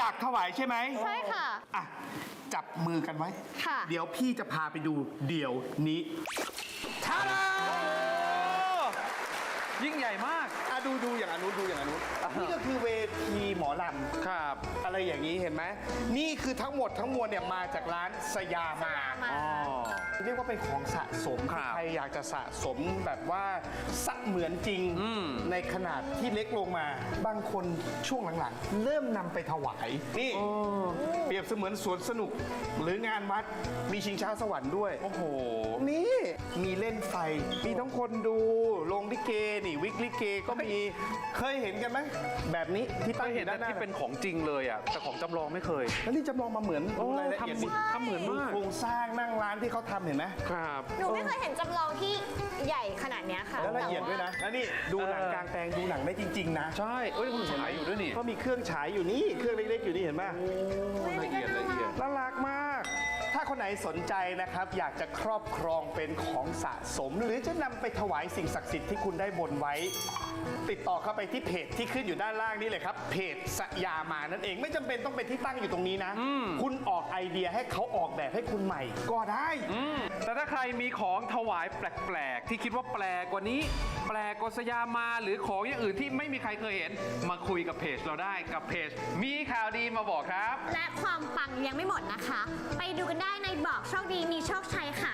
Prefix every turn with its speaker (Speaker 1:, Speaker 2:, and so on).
Speaker 1: ากถวายใช่ไหม
Speaker 2: ใช่ค่ะ
Speaker 1: อ่ะจับมือกันไว้
Speaker 2: ค่ะ
Speaker 1: เดี๋ยวพี่จะพาไปดูเดี๋ยวนี้ท่าดา
Speaker 3: ยิ่งใหญ่มาก
Speaker 1: ดูอย่างอนุดูอย่างอนุนี่ก็คือเวทีหมอล
Speaker 3: ครับ
Speaker 1: ำอะไรอย่างนี้เห็นไหมนี่คือทั้งหมดทั้งมวลเนี่ยมาจากร้านสยามา
Speaker 3: อ๋อ
Speaker 1: เรียกว่าเป็นของสะสม
Speaker 3: ครับ
Speaker 1: ใครอยากจะสะสมแบบว่าสะเหมือนจริงในขนาดที่เล็กลงมา บางคนช่วงหลังๆ เริ่มนำไปถวายนี่เปรียบเสมือนสวนสนุกหรืองานวัดมีชิงช้าสวรรค์ด้วย
Speaker 3: โอ้โห
Speaker 1: นี่มีเล่นไฟ มีทั้งคนดูโรงลิเกนี่วิกลิเกก็มีเคยเห็นกันไหมแบบนี้ที่
Speaker 3: เค
Speaker 1: ตั้ง
Speaker 3: ย
Speaker 1: อ
Speaker 3: เห็น
Speaker 1: ยู่ด้านหน้า
Speaker 3: ที่เป็นของจริงเลยอ่ะ แต่ของจำลองไม่เคย
Speaker 1: แล้วนี่จำลองมาเหมือน
Speaker 3: โอ้
Speaker 1: รายละเอียดดิ
Speaker 3: ทำเหมือนมาก
Speaker 1: โครงสร้างนั่งร้านที่เขาทำเห็นไหม
Speaker 3: ครับ
Speaker 2: หนูไม่เคยเห็นจำลองที่ใหญ่ขนาดเนี้ยค่ะ
Speaker 1: แล้วละเอียดด้วยนะ แล้วนี่ดูหนังกลางแปลงดูหนังได้จริง ๆ นะ
Speaker 3: ใช่ เอ้ยคุณฉายอยู่ด้วยนี่
Speaker 1: ก็มีเครื่องฉายอยู่นี่ เครื่องเล็กๆอยู่นี่เห็นไหม
Speaker 3: ละเอียดละเอียด
Speaker 1: น่ารักมาก ถ้าคนไหนสนใจนะครับ อยากจะครอบครองเป็นของสะสม หรือจะนำไปถวายสิ่งศักดิ์สิทธิ์ที่คุณได้บนไว้ ติดต่อเข้าไปที่เพจที่ขึ้นอยู่ด้านล่างนี่เลยครับ เพจสยามานั่นเอง ไม่จำเป็นต้องเป็นที่ตั้งอยู่ตรงนี้นะ คุณออกไอเดียให้เขาออกแบบให้คุณใหม่ ก็ได้
Speaker 3: แต่ถ้าใครมีของถวายแปลกๆ ที่คิดว่าแปลกกว่านี้ แปลกกว่าสยามมาหรือของอย่างอื่นที่ไม่มีใครเคยเห็น มาคุยกับเพจเราได้กับเพจมีข่าวดีมาบอกครับ
Speaker 2: และความปังยังไม่หมดนะคะ ไปดูกันได้ในบอกโชคดีมีโชคชัยค่ะ